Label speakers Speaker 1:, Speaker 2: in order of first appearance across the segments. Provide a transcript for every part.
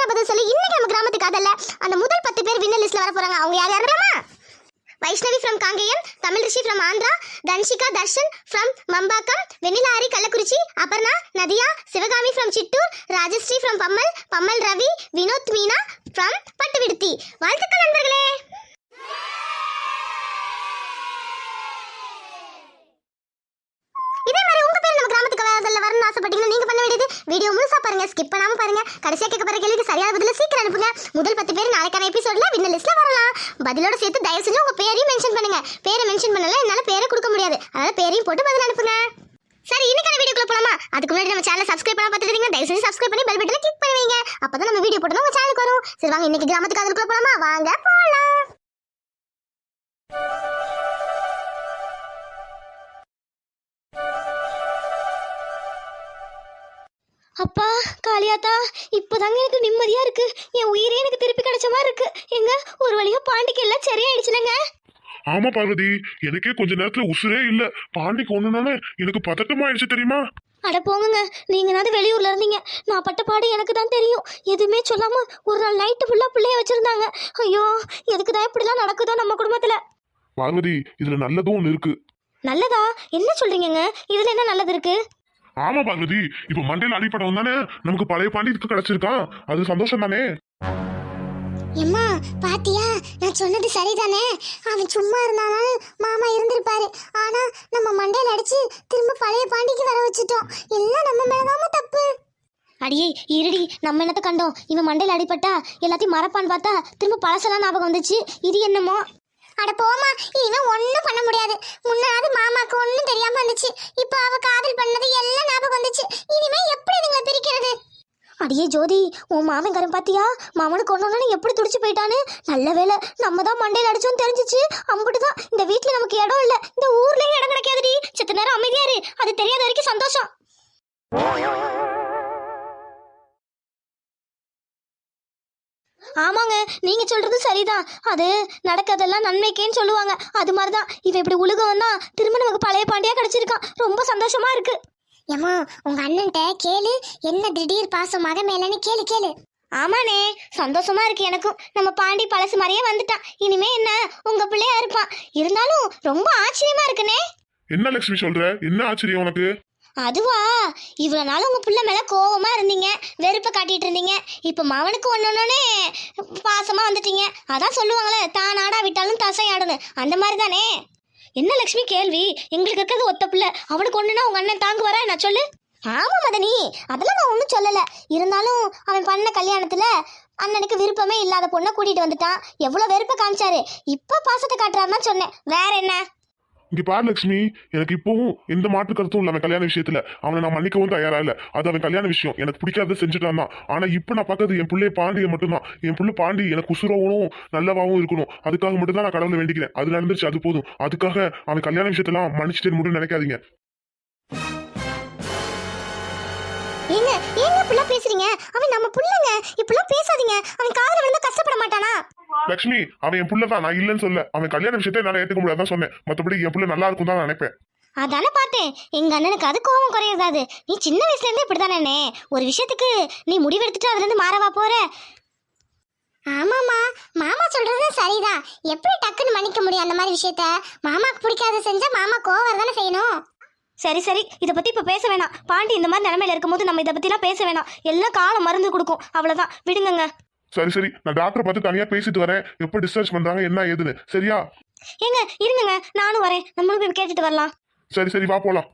Speaker 1: சரியான பதில் சொல்லி இன்னைக்கு நம்ம கிராமத்து காதல்ல அந்த முதல் 10 பேர் வின்னர் லிஸ்ட்ல வர போறாங்க. அவங்க யார் யாருமா? Vaishnavi from Kangeyam, Tamil Rishi from Andhra, Dhanshika Darshan from Mambakkam, Vennila Aari Kallakurichi, Aparna, Nadiya, Sivakami from Chittoor, Rajashree from Pammal Ravi, Vinod Meena from Pattuviduthi. வாழ்த்துக்கள் நண்பர்களே. இதே மாதிரி உங்க பேர் நம்ம கிராமத்துக்கு வரணும்னு ஆசைப்பட்டீங்கன்னா நீங்க பண்ண வேண்டியது வீடியோ முழுசா பாருங்க, ஸ்கிப் பண்ணாம பாருங்க. கடைசியா கேட்க போற கேள்விக்கு சரியான பதில சீக்கிரம் அனுப்புங்க. முதல் 10 பேர் நாளைக்கான எபிசோட்ல வின்னர் லிஸ்ட்ல வரலாம். பதிலோட சேர்த்து தயவு செஞ்சு உங்க பேரையும் மென்ஷன் பண்ணுங்க. பேரை மென்ஷன் பண்ணல என்னால பேரை கொடுக்க முடியாது, அதனால பேரையும் போட்டு பதில் அனுப்புங்க. சரி, இன்னைக்கான வீடியோக்குள்ள போலாமா? அதுக்கு முன்னாடி நம்ம சேனலை சப்ஸ்கிரைப் பண்ணா பார்த்துட்டீங்க, தயவு செஞ்சு சப்ஸ்கிரைப் பண்ணி பெல் பட்டனை கிளிக் பண்ணுவீங்க. அப்பதான் நம்ம வீடியோ போட்டோம் உங்க சேனலுக்கு வரும். சரி வாங்க இன்னைக்கு கிராமத்துக்கு அதுக்குள்ள போலாமா? வாங்க போலாம்.
Speaker 2: அப்பா காளியாத்தா, இப்போதாங்க எனக்கு நிம்மதியா இருக்கு. என் உயிரே எனக்கு திருப்பி கிடைச்ச மாதிரி இருக்கு. எங்க ஒரு வழியா பாண்டிக்கு எல்லாம் சரியாயிடுச்சுலங்க.
Speaker 3: ஆமா பார்வதி, எனக்கே கொஞ்ச நேரத்துல உசுரே இல்ல. பாண்டிக்கு ஒண்ணுனால எனக்கு பதட்டமாயிடுச்சு தெரியுமா?
Speaker 2: அட போங்க, நீங்கனாவது வெளியூர்ல இருந்தீங்க. நான் பட்ட பாடு எனக்கு தான் தெரியும். எதுவுமே சொல்லாம ஒரு நாள் நைட்டு ஃபுல்லா பிள்ளைய வச்சிருந்தாங்க. ஐயோ, எதுக்குதான் இப்படிலாம் நடக்குதோ நம்ம குடும்பத்துல.
Speaker 3: பார்வதி, இதுல நல்லதும் ஒண்ணு இருக்கு.
Speaker 2: நல்லதா? என்ன சொல்றீங்கங்க? இதுல என்ன நல்லது இருக்கு?
Speaker 3: ஆமா பார்வதி, இப்ப மண்டையில அடிப்படம் தானே நமக்கு பழைய பாண்டிக்கு கிடைச்சிருக்கான். அது சந்தோஷம் தானே.
Speaker 1: எம்மா பாத்தியா, நான் சொன்னது சரிதானே? அவன் சும்மா இருந்தாலும் மாமா இருந்திருப்பாரு. ஆனா நம்ம மண்டையில அடிச்சு திரும்ப பழைய பாண்டிக்கு வர வச்சுட்டோம். எல்லாம் நம்ம மேலதாம தப்பு.
Speaker 2: அடியே இருடி, நம்ம என்னத்த கண்டோம்? இவன் மண்டையில அடிப்பட்டா எல்லாத்தையும் மறப்பான்னு பார்த்தா திரும்ப பழசெல்லாம் ஞாபகம் வந்துச்சு. இது என்னமோ.
Speaker 1: அட போமா, இனிமே ஒன்னும் பண்ண முடியாது. முன்னாடி மாமாக்கு ஒன்னும் தெரியாம இருந்துச்சு, இப்ப அவ காதல் பண்ணது எல்லாம் ஞாபகம் வந்துச்சு. இனிமே எப்படி இதுங்களை பிரிக்கிறது?
Speaker 2: அடியே ஜோதி, உன் மாமன் கரும் பாத்தியா? மாமனுக்கு ஒன்னொன்னு எப்படி துடிச்சு போயிட்டான்னு. நல்ல வேலை நம்ம தான் மண்டையில அடிச்சோன்னு தெரிஞ்சிச்சு. அம்புட்டுதான், இந்த வீட்டுல நமக்கு இடம் இல்ல, இந்த ஊர்லயும் இடம் கிடைக்காதுடி. செத்த நேரம் அமைதியா இரு, அது தெரியாத வரைக்கும் சந்தோஷம். ஆமாங்க, நீங்க சொல்றது சரிதான். அது நடக்கிறதெல்லாம் நன்மைக்கேன்னு சொல்லுவாங்க. அது மாதிரிதான் இவன் இப்படி உலகம் தான் திரும்ப நமக்கு பழைய பாண்டியா கிடைச்சிருக்கான். ரொம்ப சந்தோஷமா இருக்கு.
Speaker 1: ஏமா உங்க அண்ணன்ட்ட கேளு, என்ன திடீர் பாசம் மக மேலன்னு கேளு கேளு.
Speaker 2: ஆமாண்ணே, சந்தோஷமா இருக்கு எனக்கும். நம்ம பாண்டி பழசு மாதிரியே வந்துட்டான். இனிமே என்ன உங்க பிள்ளையா இருப்பான். இருந்தாலும் ரொம்ப ஆச்சரியமா இருக்குண்ணே.
Speaker 3: என்ன லட்சுமி சொல்ற? என்ன ஆச்சரியம் உனக்கு?
Speaker 2: அதுவா, இவ்வளவு நாள் உங்க பிள்ளை மேல கோவமா இருந்தீங்க, வெறுப்ப காட்டிட்டு இருந்தீங்க. இப்ப மவனுக்கு ஒன்னொன்னே பாசமா வந்துட்டீங்க. அதான் சொல்லுவாங்களே, தான் ஆடா விட்டாலும் தசையாடுன்னு, அந்த மாதிரி தானே. என்ன லட்சுமி கேள்வி? எங்களுக்கு இருக்கிறது ஒத்த பிள்ளை, அவனுக்கு ஒண்ணுன்னா உங்க அண்ணன் தாங்குவாரா? நான் சொல்லு. ஆமா மதனி, அதெல்லாம் நான் ஒன்றும் சொல்லல. இருந்தாலும் அவன் பண்ண கல்யாணத்துல அண்ணனுக்கு விருப்பமே இல்லாத பொண்ணை கூட்டிட்டு வந்துட்டான். எவ்வளவு வெறுப்ப காமிச்சாரு. இப்ப பாசத்தை காட்டுறாருன்னா சொன்னேன், வேற என்ன?
Speaker 3: இங்க பாரு லட்சுமி, எனக்கு இப்பவும் எந்த மாற்று கருத்தும் இல்ல. அவன் கல்யாண விஷயத்துல அவனை நான் மன்னிக்கவும் தயாரா இல்ல. அது அவன் கல்யாண விஷயம், எனக்கு பிடிக்காத செஞ்சுட்டான் தான். ஆனா இப்ப நான் பார்க்கறது என் பிள்ளை பாண்டியை மட்டும்தான். என் பிள்ளை பாண்டி எனக்கு உசுரவும் நல்லவாவும் இருக்கணும். அதுக்காக மட்டும் தான் நான் கடவுளை வேண்டிக்கிறேன். அது நடந்துருச்சு, அது போதும். அதுக்காக அவன் கல்யாண விஷயத்தெல்லாம் மன்னிச்சுட்டு மட்டும் நினைக்காதீங்க.
Speaker 1: ஏங்க ஏங்க இப்படிலாம் பேசுறீங்க? அவன் நம்ம புள்ளங்க, இப்படிலாம் பேசாதீங்க. அவன் காதல விழுந்தா கஷ்டப்பட மாட்டானா?
Speaker 3: லட்சுமி, அவன் என் புள்ளதான், நான் இல்லைன்னு சொல்ல. அவன் கல்யாண விஷயத்தை என்னால ஏத்துக்க முடியாதான் சொன்னேன். மத்தபடி என் புள்ள நல்லா இருக்கும் தான் நினைப்பேன்.
Speaker 2: அதானே பார்த்தேன். எங்க அண்ணனுக்கு அது கோபம் குறையதாது. நீ சின்ன வயசுல இருந்தே இப்படிதானே. ஒரு விஷயத்துக்கு நீ முடிவெடுத்துட்டு அதுல இருந்து மாறவா போற?
Speaker 1: ஆமாமா, மாமா சொல்றது சரிதான். எப்படி டக்குன்னு மன்னிக்க முடியும் அந்த மாதிரி விஷயத்த? மாமாக்கு பிடிக்காத செஞ்சா மாமா கோவம் தானே செய்யணும்.
Speaker 2: சரி சரி, இதை பத்தி இப்ப பேச வேணாம். பாண்டி இந்த மாதிரி நிலைமையில இருக்கும்போது நம்ம இதை பத்திலாம் பேச வேணாம். எல்லாம் காலம் மருந்து கொடுக்கும், அவ்வளவுதான், விடுங்க.
Speaker 3: சரி சரி, நான் டாக்டரை பார்த்து தனியா பேசிட்டு வரேன். எப்ப டிஸ்சார்ஜ் பண்றாங்க என்ன ஏதுன்னு. சரியா?
Speaker 2: ஏங்க இருங்க, நானும் வரேன். நம்மளும் போய் கேட்டுட்டு வரலாம்.
Speaker 3: சரி சரி, வா போலாம்.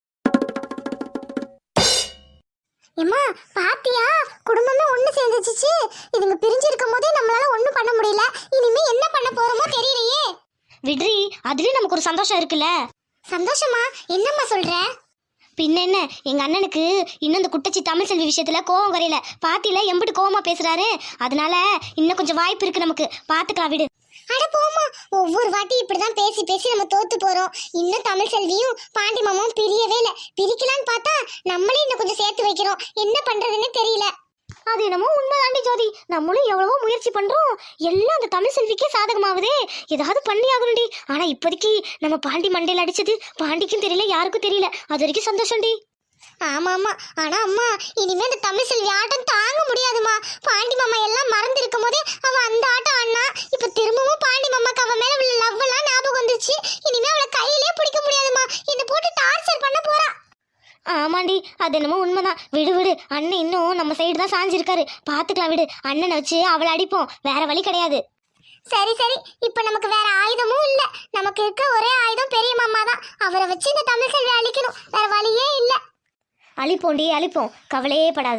Speaker 1: ஏமா பாத்தியா, குடும்பமே ஒண்ணு சேர்ந்துச்சு. இதுங்க பிரிஞ்சிருக்கும் போதே நம்மளால ஒண்ணும் பண்ண முடியல. இனிமே என்ன பண்ண போறோமோ தெரியலையே.
Speaker 2: விட்ரி, அதுலயும் நமக்கு ஒரு சந்தோஷம் இருக்குல்ல.
Speaker 1: சந்தோஷமா? என்னம்மா சொல்ற?
Speaker 2: பின்ன என்ன, எங்க அண்ணனுக்கு இன்னும் இந்த குட்டச்சி தமிழ் செல்வி விஷயத்துல கோவம் வரையில. பாத்தியில எம்பிட்டு கோவமா பேசுறாரு. அதனால இன்னும் கொஞ்சம் வாய்ப்பு இருக்கு நமக்கு. பாத்துக்கலாம், விடு.
Speaker 1: அட போமா, ஒவ்வொரு வாட்டி இப்படிதான் பேசி பேசி நம்ம தோத்து போறோம். இன்னும் தமிழ் செல்வியும் பாண்டி மாமாவும் பிரியவே இல்லை. பிரிக்கலான்னு பார்த்தா நம்மளே இன்னும் கொஞ்சம் சேர்த்து வைக்கிறோம். என்ன பண்றதுன்னு தெரியல.
Speaker 2: அது என்னமோ உண்மைதாண்டி ஜோதி. நம்மளும் எவ்வளவோ முயற்சி பண்றோம், எல்லாம் அந்த தமிழ் செல்விக்கே சாதகமாகுதே. ஏதாவது பண்ணி ஆகணும்டி. ஆனா இப்போதைக்கு நம்ம பாண்டி மண்டையில அடிச்சது பாண்டிக்கும் தெரியல, யாருக்கும் தெரியல. அது வரைக்கும் சந்தோஷம்டி.
Speaker 1: ஆமா ஆனா அம்மா இனிமே அந்த தமிழ் செல்வி ஆட்டம் தாங்க முடியாதுமா. பாண்டி மாமா எல்லாம் மறந்து இருக்கும் போதே அவன் அந்த ஆட்டம் ஆடினா இப்ப திரும்பவும் பாண்டி மாமாக்கு அவன் மேல உள்ள லவ் எல்லாம் ஞாபகம் வந்துச்சு. இனிமே அவளை கையிலேயே பிடிக்க முடியாதுமா. என்ன போட்டு டார்ச்சர் பண்ண போறா.
Speaker 2: ஆமாண்டி, அது என்னமோ உண்மைதான். விடு விடு, அண்ணன் இன்னும் நம்ம சைடு தான் சாஞ்சிருக்காரு. பார்த்துக்கலாம் விடு, அண்ணனை வச்சு அவளை அடிப்போம், வேற வழி கிடையாது.
Speaker 1: சரி இப்ப நமக்கு வேற ஆயுதமும் இல்ல. நமக்கு இருக்க ஒரே ஆயுதம் பெரிய மாமா தான். அவரை வச்சு இந்த தமிழ் செல்வி அழிக்கணும், வேற வழியே இல்ல.
Speaker 2: அழிப்போண்டி அழிப்போம், கவலையே படாத.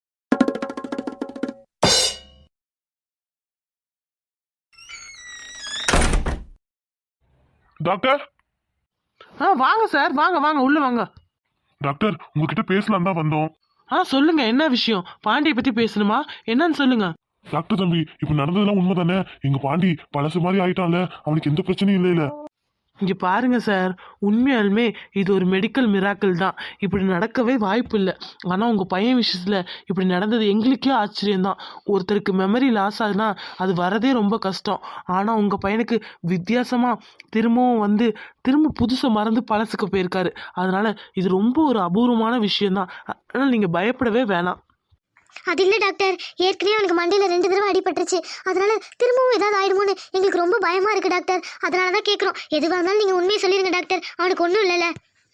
Speaker 3: டாக்டர்
Speaker 4: வாங்க சார், வாங்க வாங்க உள்ள வாங்க.
Speaker 3: டாக்டர் உங்ககிட்ட பேசலாம் தான் வந்தோம்.
Speaker 4: சொல்லுங்க, என்ன விஷயம்? பாண்டியை பத்தி பேசணுமா? என்னன்னு சொல்லுங்க.
Speaker 3: டாக்டர் தம்பி, இப்ப நடந்ததெல்லாம் உண்மை தானே? எங்க பாண்டி பழசு மாதிரி ஆயிட்டான்ல, அவனுக்கு எந்த பிரச்சனையும் இல்லையில.
Speaker 4: இங்க பாருங்க சார், உண்மையாலுமே இது ஒரு மெடிக்கல் மிராக்கிள் தான். இப்படி நடக்கவே வாய்ப்பு இல்லை. ஆனா உங்க பையன் விஷயத்துல இப்படி நடந்தது எங்களுக்கே ஆச்சரியம்தான். ஒருத்தருக்கு மெமரி லாஸ் ஆகுதுன்னா அது வரதே ரொம்ப கஷ்டம். ஆனா உங்க பையனுக்கு வித்தியாசமா திரும்ப புதுசை மறந்து பழசுக்கு போயிருக்காரு. அதனால இது ரொம்ப ஒரு அபூர்வமான விஷயம்தான். அதனால நீங்க பயப்படவே வேணாம்.
Speaker 1: அது இல்லை டாக்டர், ஏற்கனவே அவனுக்கு மண்டையில் 2 தடவை அடிபட்டுருச்சு. அதனால திரும்பவும் ஏதாவது ஆயிடுமோன்னு எங்களுக்கு ரொம்ப பயமா இருக்கு டாக்டர். அதனால தான் கேட்குறோம். எதுவாக இருந்தாலும் நீங்கள் உண்மையை சொல்லிடுங்க டாக்டர், அவனுக்கு ஒன்றும் இல்லைல்ல.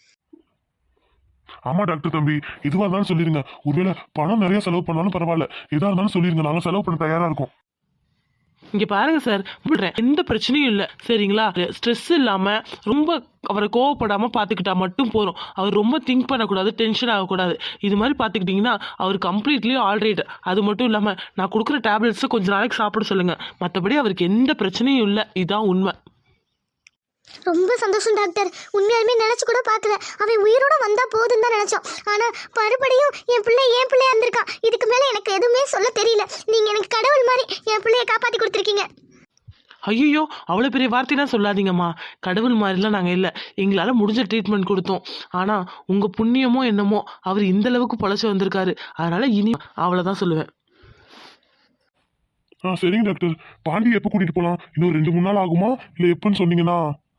Speaker 3: ஆமா டாக்டர் தம்பி, எதுவா இருந்தாலும் சொல்லிருங்க. ஒருவேளை பணம் நிறைய செலவு பண்ணாலும் பரவாயில்ல, எதா இருந்தாலும் சொல்லிருங்க, நாங்க செலவு பண்ண தயாரா இருக்கோம்.
Speaker 4: இங்க பாருங்க சார், விடுறேன், எந்த பிரச்சனையும் இல்லை சரிங்களா? ஸ்ட்ரெஸ் இல்லாம ரொம்ப அவரை கோவப்படாம பாத்துக்கிட்டா மட்டும் போதும். அவர் ரொம்ப திங்க் பண்ணக்கூடாது, டென்ஷன் ஆகக்கூடாது. இது மாதிரி பாத்துக்கிட்டீங்கன்னா அவர் கம்ப்ளீட்லி ஆல்ரைட். அது மட்டும் இல்லாம நான் கொடுக்குற டேப்லெட்ஸை கொஞ்ச நாளைக்கு சாப்பிட சொல்லுங்க. மற்றபடி அவருக்கு எந்த பிரச்சனையும் இல்லை. இதான் உண்மை.
Speaker 1: ரொம்ப சந்தோஷம் டாக்டர். உண்மையாலுமே நினைச்சு கூட பார்க்கல. அவன் உயிரோட வந்தா போதுன்னு தான் நினைச்சோம். ஆனா மறுபடியும் என் பிள்ளையா இருந்திருக்கான். இதுக்கு மேல எனக்கு எதுவுமே சொல்ல தெரியல. நீங்க எனக்கு கடவுள் மாதிரி என் பிள்ளைய காப்பாத்தி கொடுத்துருக்கீங்க.
Speaker 4: ஐயோ, அவ்வளோ பெரிய வார்த்தைலாம் சொல்லாதீங்கம்மா. கடவுள் மாதிரிலாம் நாங்கள் இல்லை. எங்களால் முடிஞ்ச ட்ரீட்மெண்ட் கொடுத்தோம். ஆனால் உங்கள் புண்ணியமோ என்னமோ அவர் இந்த அளவுக்கு பொழைச்சி வந்திருக்காரு. அதனால இனி அவ்வளோதான் சொல்லுவேன்.
Speaker 3: சரிங்க டாக்டர். பாண்டி எப்போ கூட்டிட்டு போலாம்? இன்னும் 2-3 நாள் ஆகுமா, இல்லை எப்பன்னு சொன்னீங்கன்னா?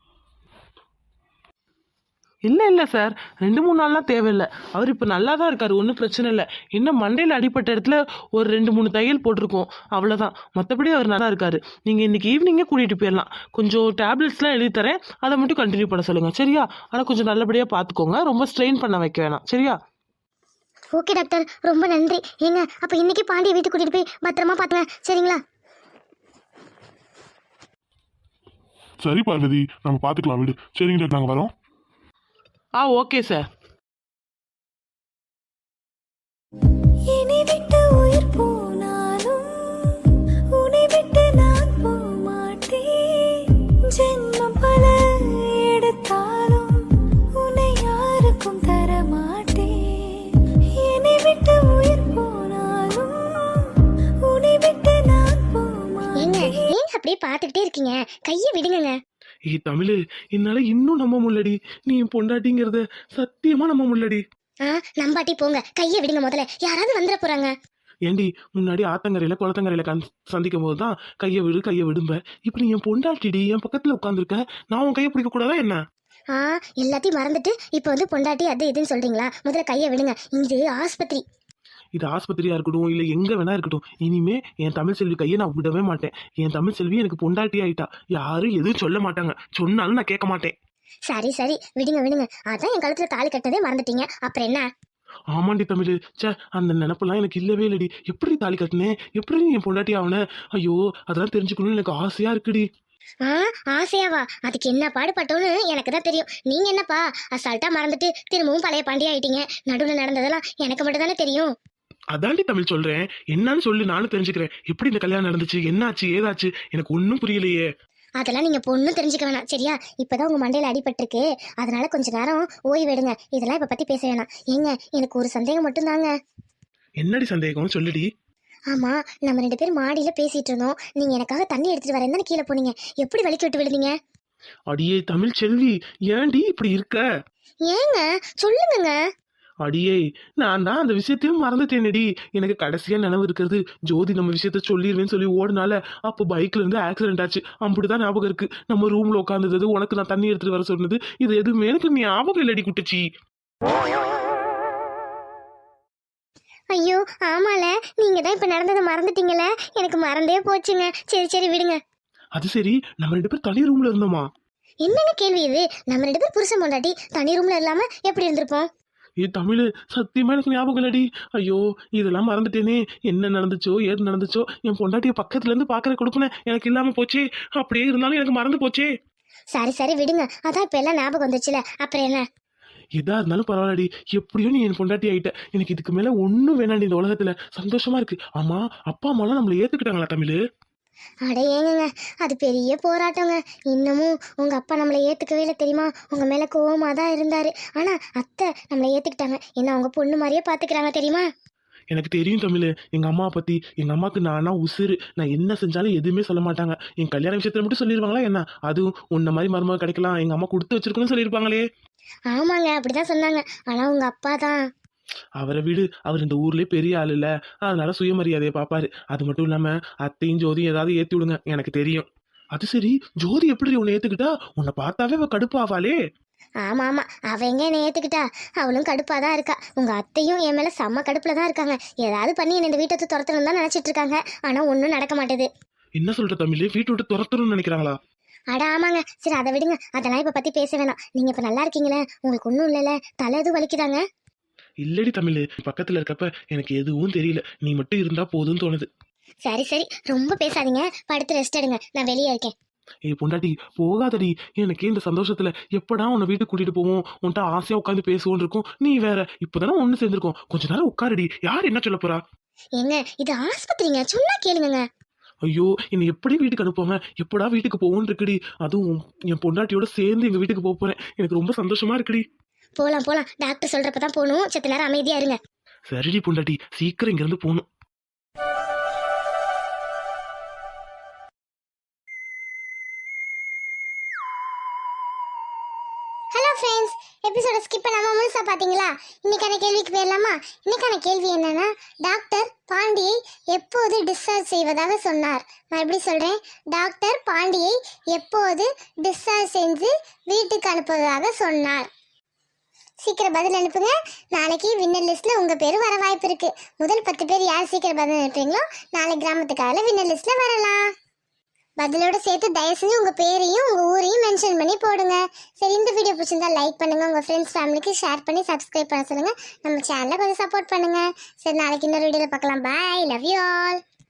Speaker 4: இல்லை சார், 2-3 நாள்லாம் தேவையில்லை. அவர் இப்போ நல்லா தான் இருக்காரு, ஒன்றும் பிரச்சனை இல்லை. இன்னும் மண்டையில் அடிப்பட்ட இடத்துல ஒரு 2-3 தையல் போட்டிருக்கோம், அவ்வளோதான். மற்றபடி அவர் நல்லா இருக்காரு. நீங்கள் இன்னைக்கு ஈவினிங்கே கூட்டிகிட்டு போயிடலாம். கொஞ்சம் டேப்லெட்ஸ்லாம் எழுதி தரேன், அதை மட்டும் கண்டினியூ பண்ண சொல்லுங்கள் சரியா? ஆனால் கொஞ்சம் நல்லபடியாக பார்த்துக்கோங்க, ரொம்ப ஸ்ட்ரெயின் பண்ண வைக்க வேணாம் சரியா?
Speaker 1: ஓகே டாக்டர், ரொம்ப நன்றி. ஏங்க அப்போ இன்னைக்கு பாண்டியை வீட்டுக்கு கூட்டிட்டு போய் பத்திரமா பார்த்துங்க சரிங்களா?
Speaker 3: சரி பார்வதி, நம்ம பார்த்துக்கலாம் விடு. சரிங்க டாக்டர், நாங்கள் வரோம்.
Speaker 4: Okay sir.
Speaker 5: என்னை விட்டு உயிர் போனாலும் உன்னை விட்டு நான் போமாட்டேன். ஜென்மம் பல எடுத்தாலும் உன்னை யாருக்கும் தரமாட்டேன். என்னை விட்டு உயிர் போனாலும் உன்னை விட்டு நான் போமாட்டேன்.
Speaker 1: ஏங்க அப்படியே பார்த்துக்கிட்டே இருக்கீங்க? கையை விடுங்க.
Speaker 4: தமிழ், என்னால இன்னும் நம்ப முடியலடி. நீ என் பொண்டாட்டிங்கிறத சத்தியமா நம்ப முடியலடி.
Speaker 1: நம்பாட்டி போங்க, கையை விடுங்க. முதல்ல யாராவது வந்துட போறாங்க.
Speaker 4: ஏண்டி, முன்னாடி ஆத்தங்கரையில குளத்தங்கரையில சந்திக்கும் போதுதான் கையை விடும்ப. இப்ப நீ என் பொண்டாட்டிடி, என் பக்கத்துல உட்காந்துருக்க. நான் உன் கையை பிடிக்க கூடாதா என்ன?
Speaker 1: எல்லாத்தையும் மறந்துட்டு இப்ப வந்து பொண்டாட்டி அது இதுன்னு சொல்றீங்களா? முதல்ல கையை விடுங்க. இது ஆஸ்பத்திரி.
Speaker 4: இது ஆஸ்பத்திரியா இருக்கட்டும், இல்ல எங்க வேணா இருக்கட்டும், இனிமே என் தமிழ் செல்வி கையை நான் விடவே மாட்டேன். என் தமிழ் செல்வி எனக்கு பொண்டாட்டி ஆயிட்டா. யாரும் எதுவும் சொல்ல மாட்டாங்க, சொன்னாலும் நான் கேட்க மாட்டேன்.
Speaker 1: சரி விடுங்க. அதான் என் கழுத்துல தாலி கட்டதே மறந்துட்டீங்க, அப்புறம் என்ன?
Speaker 4: ஆமாண்டி தமிழ், அந்த நினப்பெல்லாம் எனக்கு இல்லவே இல்லடி. எப்படி தாலி கட்டினேன், எப்படி என் பொண்டாட்டி ஆவன? ஐயோ, அதெல்லாம் தெரிஞ்சுக்கணும்னு எனக்கு ஆசையா இருக்குடி.
Speaker 1: ஆசையாவா? அதுக்கு என்ன பாடுபட்டோன்னு எனக்கு தான் தெரியும். நீங்க என்னப்பா அசால்ட்டா மறந்துட்டு திரும்பவும் பழைய பாண்டியா ஆயிட்டீங்க. நடுவில் நடந்ததெல்லாம் எனக்கு மட்டும் தானே தெரியும்.
Speaker 4: அதாண்டி தமிழ் சொல்றேன், என்னன்னு சொல்லி நானும் தெரிஞ்சுக்கிறேன். எப்படி இந்த கல்யாணம் நடந்துச்சு, என்னாச்சு ஏதாச்சு, எனக்கு ஒன்னும் புரியலையே.
Speaker 1: அதெல்லாம் நீங்க பொண்ணும் தெரிஞ்சுக்க வேணாம் சரியா? இப்பதான் உங்க மண்டையில அடிபட்டிருக்கு, அதனால கொஞ்ச நேரம் ஓய்வெடுங்க. இதெல்லாம் இப்ப பத்தி பேச வேணாம். ஏங்க எனக்கு ஒரு சந்தேகம் மட்டும் தாங்க.
Speaker 4: என்னடி சந்தேகம், சொல்லுடி.
Speaker 1: ஆமா, நம்ம 2 பேரும் மாடியில பேசிட்டு இருந்தோம். நீங்க எனக்காக தண்ணி எடுத்துட்டு வரேன் தானே கீழே போனீங்க. எப்படி வலிக்கு விட்டு விழுந்தீங்க?
Speaker 4: அடியே தமிழ் செல்வி, ஏன்டி இப்படி இருக்க?
Speaker 1: ஏங்க சொல்லுங்க.
Speaker 4: அடியே, நான் தான் அந்த விஷயத்தையும் மறந்துட்டேனடி. எனக்கு கடைசியா நினைவு இருக்கிறது, ஜோதி நம்ம விஷயத்த சொல்லிடுவேன்னு சொல்லி ஓடுனால அப்போ பைக்ல இருந்து ஆக்சிடென்ட் ஆச்சு. அப்படிதான் ஞாபகம் இருக்கு. நம்ம ரூம்ல உட்காந்துருந்தது, உனக்கு நான் தண்ணி எடுத்துட்டு வர சொன்னது, இது எதுவுமே எனக்கு ஞாபகம் இல்லடி குட்டிச்சி.
Speaker 1: ஐயோ ஆமால நீங்க தான் இப்ப நடந்ததை மறந்துட்டீங்களே, எனக்கு மறந்தே போச்சுங்க. சரி சரி விடுங்க.
Speaker 4: அது சரி, நம்ம 2 பேர் தனி ரூம்ல இருந்தோமா?
Speaker 1: என்னங்க கேள்வி இது? நம்ம 2 பேர் புருஷன் பொண்டாட்டி தனி ரூம்ல இல்லாம எப்படி இருந்திருப்போம்?
Speaker 4: தமிழ் சத்தியமா எனக்கு ஞாபகம் இல்லடி. ஐயோ, இதெல்லாம் மறந்துட்டேனே. என்ன நடந்துச்சோ ஏது நடந்துச்சோ, என் பொண்டாட்டிய பக்கத்துல இருந்து பாக்குற கொடுப்பேன் எனக்கு இல்லாம போச்சே. அப்படியே இருந்தாலும் எனக்கு மறந்து போச்சே.
Speaker 1: சரி சரி விடுங்க, அதான் இப்ப எல்லாம் ஞாபகம் வந்துச்சுல, அப்புறம் என்ன?
Speaker 4: எதா இருந்தாலும் பரவாயில்லடி, எப்படியோ நீ என் பொண்டாட்டி ஆயிட்ட. எனக்கு இதுக்கு மேல ஒண்ணும் வேணாண்டி இந்த உலகத்துல. சந்தோஷமா இருக்கு. ஆமா, அப்பா அம்மாலாம் நம்மள ஏத்துக்கிட்டாங்களா தமிழ்?
Speaker 1: அட ஏங்கங்க, அது பெரிய போராட்டங்க. இன்னமும் உங்க அப்பா நம்மளை ஏத்துக்கவே இல்லை தெரியுமா? உங்க மேல கோவமா தான் இருந்தாரு. ஆனா அத்தை நம்மளை ஏத்துக்கிட்டாங்க. என்ன அவங்க பொண்ணு மாதிரியே பாத்துக்கிறாங்க தெரியுமா?
Speaker 4: எனக்கு தெரியும் தமிழ், எங்க அம்மா பத்தி. எங்க அம்மாக்கு நானா உசுறு. நான் என்ன செஞ்சாலும் எதுவுமே சொல்ல மாட்டாங்க. என் கல்யாண விஷயத்துல மட்டும் சொல்லிடுவாங்களா என்ன? அதுவும் உன்ன மாதிரி மருமக கிடைக்கலாம், எங்க அம்மா கொடுத்து வச்சிருக்கணும்னு சொல்லியிருப்பாங்களே.
Speaker 1: ஆமாங்க, அப்படிதான் சொன்னாங்க. ஆனா உங்க அப்பா தான்.
Speaker 4: அவரை விடு, அவர் இந்த ஊர்லயே பெரிய ஆள் இல்ல, அதனால சுயமரியாதையை பாப்பாரு. அது மட்டும் இல்லாம அத்தையும் ஜோதியும் ஏதாவது ஏத்தி விடுங்க, எனக்கு தெரியும். அது சரி, ஜோதி எப்படி உன்னை ஏத்துக்கிட்டா? உன்னை பார்த்தாவே அவ கடுப்பாவாளே.
Speaker 1: ஆமா ஆமா, அவ எங்க என்னை ஏத்துக்கிட்டா? அவளும் கடுப்பாதான் இருக்கா. உங்க அத்தையும் என் மேல செம்ம கடுப்புல தான் இருக்காங்க. ஏதாவது பண்ணி என்ன இந்த வீட்டை துரத்தணும் தான் நினைச்சிட்டு இருக்காங்க. ஆனா ஒன்னும் நடக்க மாட்டேது.
Speaker 4: என்ன சொல்ற தமிழ், வீட்டு விட்டு துரத்தணும்னு நினைக்கிறாங்களா?
Speaker 1: அட ஆமாங்க. சரி அதை விடுங்க, அதெல்லாம் இப்ப பத்தி பேச வேணாம். நீங்க இப்ப நல்லா இருக்கீங்களே? உங்களுக்கு ஒன்றும் இல்லைல்ல? தலை எதுவும் வலிக்குதாங்க?
Speaker 4: இல்லடி தமிழ், பக்கத்துல இருக்கப்ப எனக்கு எதுவும் தெரியல. நீ மட்டும் இருந்தா போதும்னு தோணுது.
Speaker 1: சரி சரி, ரொம்ப பேசாதீங்க, படுத்து ரெஸ்ட் எடுங்க. நான் வெளியே இருக்கேன்.
Speaker 4: ஏய் பொண்டாட்டி, போகாதடி. எனக்கு இந்த சந்தோஷத்துல எப்படா உன்னை வீட்டுக்கு கூட்டிட்டு போவோம், உன்கிட்ட ஆசையா உட்காந்து பேசுவோன்னு இருக்கும். நீ வேற இப்பதானே ஒண்ணு சேர்ந்திருக்கோம், கொஞ்ச நேரம் உட்காருடி. யார் என்ன சொல்ல போறா?
Speaker 1: ஏங்க இது ஆஸ்பத்திரிங்க, சொன்னா கேளுங்க.
Speaker 4: ஐயோ, என்னை எப்படி வீட்டுக்கு அனுப்புவாங்க? எப்படா வீட்டுக்கு போவோன்னு இருக்குடி. அதுவும் என் பொண்டாட்டியோட சேர்ந்து எங்க வீட்டுக்கு போக போறேன். எனக்கு ரொம்ப சந்தோஷமா இருக்குடி.
Speaker 1: போலாம் போலாம், டாக்டர் சொல்றப்பதான் போகணும். செத்த நேரம் அமைதியா இருங்க.
Speaker 4: சரிடி பொண்டாட்டி, சீக்கிரம் இங்க இருந்து போகணும்.
Speaker 1: ஹலோ ஃப்ரெண்ட்ஸ், எபிசோட ஸ்கிப் பண்ணாம முழுசா பாத்தீங்களா? இன்னைக்கான கேள்விக்கு போயிடலாமா? இன்னைக்கான கேள்வி என்னன்னா, டாக்டர் பாண்டியை எப்போது டிஸ்சார்ஜ் செய்வதாக சொன்னார்? நான் எப்படி சொல்றேன்? டாக்டர் பாண்டியை எப்போது டிஸ்சார்ஜ் செஞ்சு வீட்டுக்கு அனுப்புவதாக சொன்னார்? சீக்கிரம் பதில் அனுப்புங்க. நாளைக்கு வின்னர் லிஸ்ட்ல உங்க பேரு வர வாய்ப்பு இருக்கு. முதல் 10 பேர் யார் சீக்கிரம் பதில் அனுப்புறீங்களோ நாளை கிராமத்துக்காக வின்னர் லிஸ்ட்ல வரலாம். பதிலோட சேர்த்து தயவு செஞ்சு உங்க பேரையும் உங்க ஊரையும் மென்ஷன் பண்ணி போடுங்க. சரி, இந்த வீடியோ பிடிச்சிருந்தா லைக் பண்ணுங்க, உங்க ஃப்ரெண்ட்ஸ் ஃபேமிலிக்கு ஷேர் பண்ணி சப்ஸ்கிரைப் பண்ண சொல்லுங்க. நம்ம சேனலை கொஞ்சம் சப்போர்ட் பண்ணுங்க. சரி, நாளைக்கு இன்னொரு வீடியோல பார்க்கலாம். Bye, love you all.